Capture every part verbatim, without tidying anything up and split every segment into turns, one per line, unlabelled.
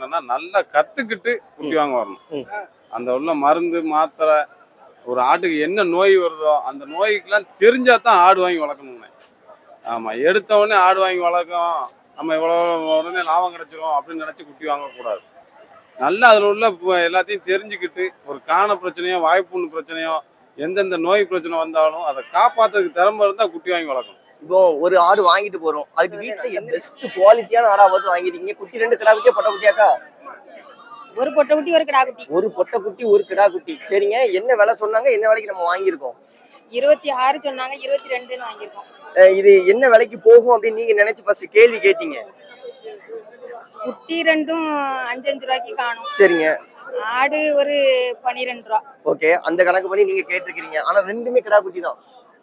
என்னன்னா நல்லா கத்துக்கிட்டு குட்டி வாங்க வரணும்.
ம்.
அந்த உள்ள மருந்து மாத்திரை ஒரு ஆட்டுக்கு என்ன நோய் வருதோ அந்த நோய்க்கெல்லாம் தெரிஞ்சா தான் ஆடு வாங்கி வளர்க்கணுங்க. ஆமா, எடுத்த உடனே ஆடு வாங்கி வளர்க்கும் நம்ம இவ்வளவு உடனே லாபம் கிடைச்சிரும் அப்படின்னு நினைச்சு குட்டி வாங்கக்கூடாது. நல்லா அதில் உள்ள ப- எல்லாத்தையும் தெரிஞ்சுக்கிட்டு ஒரு காண பிரச்சனையோ வாய்ப்புண்ணு பிரச்சனையோ எந்தெந்த நோய் பிரச்சனை வந்தாலும் அதை காப்பாத்துறதுக்கு திறமை இருந்தா குட்டி வாங்கி வளர்க்கணும்.
இப்போ ஒரு ஆடு வாங்கிட்டு போறோம், அதுக்கு வீட்டுல என்ன பெஸ்ட் குவாலிட்டியான ஆடா பார்த்து வாங்கிருக்கீங்க? குட்டி ரெண்டு கிடா குட்டியா பொட்டை குட்டியாக்கா?
ஒரு பொட்டை குட்டி ஒரு கிடா குட்டி.
ஒரு பொட்டை குட்டி ஒரு கிடா குட்டி. சரிங்க, என்ன விலை சொன்னாங்க, என்ன விலைக்கு நம்ம வாங்கியிருக்கோம்?
இருபத்தி ஆறு சொன்னாங்க, இருபத்தி ரெண்டுன்னு வாங்கியிருக்கோம்.
அஹ் இது என்ன விலைக்கு போகும் அப்படின்னு நீங்க நினைச்சு ஃபர்ஸ்ட் கேள்வி கேட்டீங்க?
குட்டி ரெண்டும் அஞ்சு அஞ்சு ரூபாய்க்கு காணும்.
சரிங்க,
ஆடு ஒரு பனிரெண்டு ரூபா.
ஓகே, அந்த கணக்கு பண்ணி நீங்க கேட்டிருக்கீங்க. ஆனா ரெண்டுமே கிடா குட்டி தான்.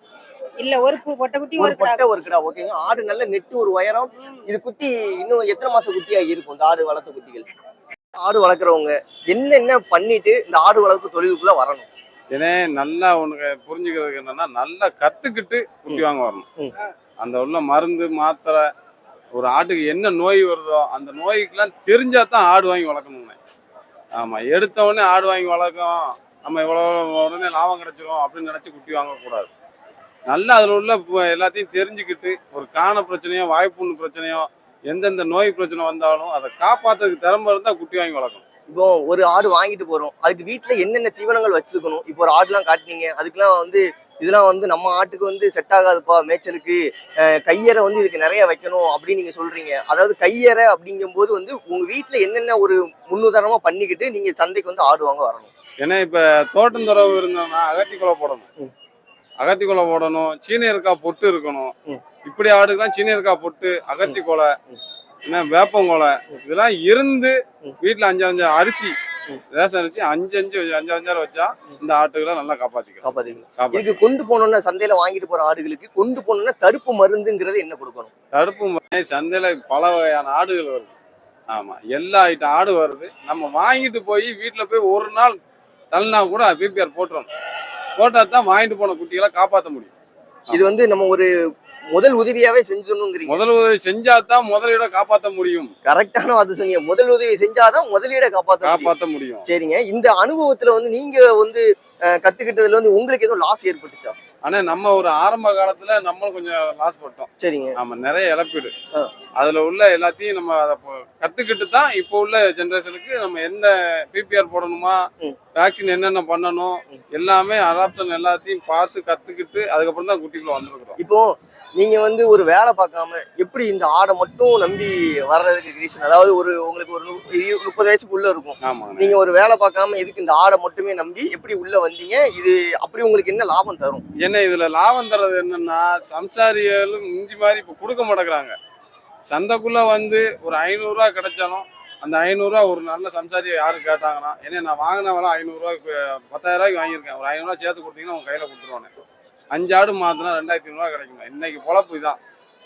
இல்ல ஒரு பு- பொட்டை குட்டி
ஒரு
ஒரு கிடா
பொட்டை ஒரு கிடா. ஓகேங்க, ஆடு நல்ல நெட்டு ஒரு உயரம். இது குட்டி இன்னும் எத்தனை மாசம் குட்டியா இருக்கும் இந்த ஆடு வளர்த்த குட்டிகள்? ஆடு வளர்க்குறவங்க என்னென்ன பண்ணிட்டு இந்த ஆடு வளர்ப்பு தொழிலுக்குள்ள வரணும்?
ஏன்னா நல்லா உனக்கு புரிஞ்சுக்கிறதுக்கு என்னன்னா நல்லா கத்துக்கிட்டு குட்டி வாங்க வரணும்.
ம்.
அந்த உள்ள மருந்து மாத்திரை ஒரு ஆட்டுக்கு என்ன நோய் வருதோ அந்த நோய்க்கெல்லாம் தெரிஞ்சா தான் ஆடு வாங்கி வளர்க்கணுங்க. ஆமா, எடுத்த உடனே ஆடு வாங்கி வளர்க்கும் நம்ம இவ்வளவு உடனே லாபம் கிடைச்சிரும் அப்படின்னு நினைச்சு குட்டி வாங்கக்கூடாது. நல்லா அதில் உள்ள ப- எல்லாத்தையும் தெரிஞ்சுக்கிட்டு ஒரு காண பிரச்சனையோ வாய்ப்புண்ணு பிரச்சனையோ எந்தெந்த நோய் பிரச்சனை வந்தாலும் அதை காப்பாத்துறதுக்கு திறமை இருந்தா குட்டி வாங்கி வளர்க்கணும்.
இப்போ ஒரு ஆடு வாங்கிட்டு போறோம், அதுக்கு வீட்டுல என்னென்ன தீவனங்கள் வச்சிருக்கணும்? இப்போ ஒரு ஆடுலாம் காட்டினீங்க, அதுக்கெல்லாம் வந்து இதெல்லாம் வந்து நம்ம ஆட்டுக்கு வந்து செட் ஆகாதுப்பா மேய்ச்சலுக்கு, அஹ் கையறை வந்து இதுக்கு நிறைய வைக்கணும் அப்படின்னு நீங்க சொல்றீங்க. அதாவது கையறை அப்படிங்கும் போது வந்து உங்க வீட்டுல என்னென்ன ஒரு முன்னுதாரணமா பண்ணிக்கிட்டு நீங்க சந்தைக்கு வந்து ஆடு வாங்க வரணும்?
ஏன்னா இப்ப தோட்டந்துறவு இருந்தோம்னா அகத்தி குலை போடணும்.
ம்.
அகத்தி குலை போடணும், சீனியருக்கா பொட்டு இருக்கணும்.
ம்.
இப்படி ஆடுக்கெல்லாம் சீனியருக்கா பொட்டு, அகத்தி கொலை,
ம்.
என்ன வேப்பங்கொலை இதெல்லாம் இருந்து
ம்.
வீட்டுல அஞ்சு அஞ்சு அரிசி
ம்.
ரேஷன் அரிசி அஞ்சு அஞ்சு அஞ்சு அஞ்சாறு வச்சா இந்த ஆட்டுகளை நல்லா காப்பாத்திக்கலாம்.
காப்பாத்தீங்க.
காப்பாத்தி
இதுக்கு கொண்டு போனோம்னா சந்தையில வாங்கிட்டு போற ஆடுகளுக்கு கொண்டு போனோம்னா தடுப்பு மருந்துங்கிறது என்ன கொடுக்கணும்?
தடுப்பு மருந்து சந்தையில பல வகையான ஆடுகள் வருது. ஆமா, எல்லா ஐட்டம் ஆடு வருது. நம்ம வாங்கிட்டு போய் வீட்டுல போய் ஒரு நாள் தள்ளினா கூட பிபிஆர் போட்டுறோம். போட்டா தான் வாங்கிட்டு போன குட்டிகளை காப்பாற்ற முடியும்.
இது வந்து நம்ம ஒரு முதல் உதவியாவே செஞ்சிடணுங்கிறீங்க.
முதல் உதவி செஞ்சா தான் முதலீட காப்பாற்ற முடியும்.
கரெக்டான வார்த்தை சொன்னீங்க. முதல் உதவி செஞ்சாதான் முதலீட காப்பாத்த முடியும்.
காப்பாற்ற முடியும்.
சரிங்க, இந்த அனுபவத்துல வந்து நீங்க வந்து அஹ், கத்துக்கிட்டதுல வந்து உங்களுக்கு எதுவும் லாஸ் ஏற்பட்டுச்சா?
ஆனா நம்ம ஒரு ஆரம்ப காலத்துல நம்மளும் கொஞ்சம் லாஸ் பட்டோம்.
சரிங்க.
ஆமா, நிறைய இழப்பீடு.
ஆ.
அதுல உள்ள எல்லாத்தையும் நம்ம அதை ப- கத்துக்கிட்டு தான் இப்போ உள்ள ஜெனரேஷனுக்கு நம்ம எந்த பிபிஆர் போடணுமா,
ம்.
வேக்சின் என்னென்ன பண்ணணும்,
ம்.
எல்லாமே அடாப்ஷன் எல்லாத்தையும் பார்த்து கத்துக்கிட்டு அதுக்கப்புறம் தான் குட்டிக்குள்ள வந்துருக்குறோம்.
இப்போ நீங்க வந்து ஒரு வேலை பார்க்காம எப்படி இந்த ஆடை மட்டும் நம்பி வர்றதுக்கு ரீசன்? அதாவது ஒரு உங்களுக்கு ஒரு நு- இரு- முப்பது வயசுக்குள்ள இருக்கும்,
ஆமாங்க.
நீங்க ஒரு வேலை பார்க்காம எதுக்கு இந்த ஆடை மட்டுமே நம்பி எப்படி உள்ள வந்தீங்க? இது அப்படி உங்களுக்கு என்ன லாபம் தரும்?
என்ன இதுல லாபம் தர்றது என்னன்னா, சம்சாரிகளும் இஞ்சி மாதிரி இப்ப கொடுக்க மாட்டேங்கிறாங்க. சந்தைக்குள்ள வந்து ஒரு ஐநூறு ரூபா கிடைச்சாலும் அந்த ஐநூறு ரூபா ஒரு நல்ல சம்சாரியை யாரும் கேட்டாங்கன்னா, ஏன்னா நான் வாங்கின வேலை ஐநூறு ரூபாய்க்கு பத்தாயிரம் ரூபாய்க்கு வாங்கியிருக்கேன், ஒரு ஐநூறு ரூபா சேர்த்து கொடுத்தீங்கன்னா உங்க கையில கொடுத்துருவானே. அஞ்சு ஆடு மாத்தினா ரெண்டாயிரத்தி ஐநூறு ரூபா கிடைக்கும். இன்னைக்கு பொழப்பு இதான்.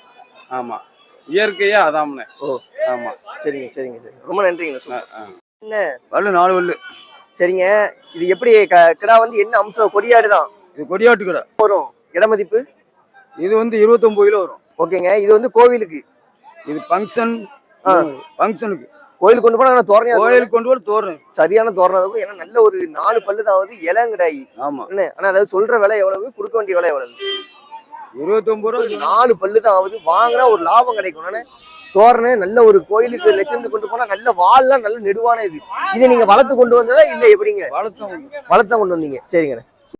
ஆமா, இயற்கையா அதாம்னே.
ஓ.
ஆமா.
சரிங்க சரிங்க சரி, ரொம்ப நன்றிங்க.
அஹ் அஹ்.
என்ன
வல்லு நாலு வல்லு.
சரிங்க, இது எப்படி க- கிடா வந்து என்ன அம்சம்? கொடியாடு தான்
இது கொடியாட்டு கடை.
வரும். இடமதிப்பு
இது வந்து இருபத்தொன்பது கிலோ வரும்.
ஓகேங்க. இது வந்து கோவிலுக்கு,
இது ஃபங்க்ஷன்
ஆ.
ஃபங்க்ஷனுக்கு
கோயிலுக்கு கொண்டு போனா தோரணையா
கோயிலுக்கு கொண்டு போய் தோறணும்.
சரியான தோரணம் இருக்கும். ஏன்னா நல்ல ஒரு நாலு பல்லுதாவது இளங்கிடாயி
ஆமா,
என்ன. ஆனா அதாவது சொல்ற விலை எவ்வளவு, கொடுக்க வேண்டிய விலை எவ்வளவு?
இருபத்தொன்பது
ஒரு
ரூபா.
நாலு பல்லு தான் ஆகுது. வாங்கினா ஒரு லாபம் கிடைக்கும். ஆனா தோரணை நல்ல ஒரு கோயிலுக்கு லட்சந்து கொண்டு போனா நல்ல வால்லாம் நல்ல நெடுவான இது. இதை நீங்க வளர்த்து கொண்டு வந்ததா இல்ல எப்படிங்க?
வளர்த்தோம்.
வளர்த்தா கொண்டு வந்தீங்க. சரிங்க.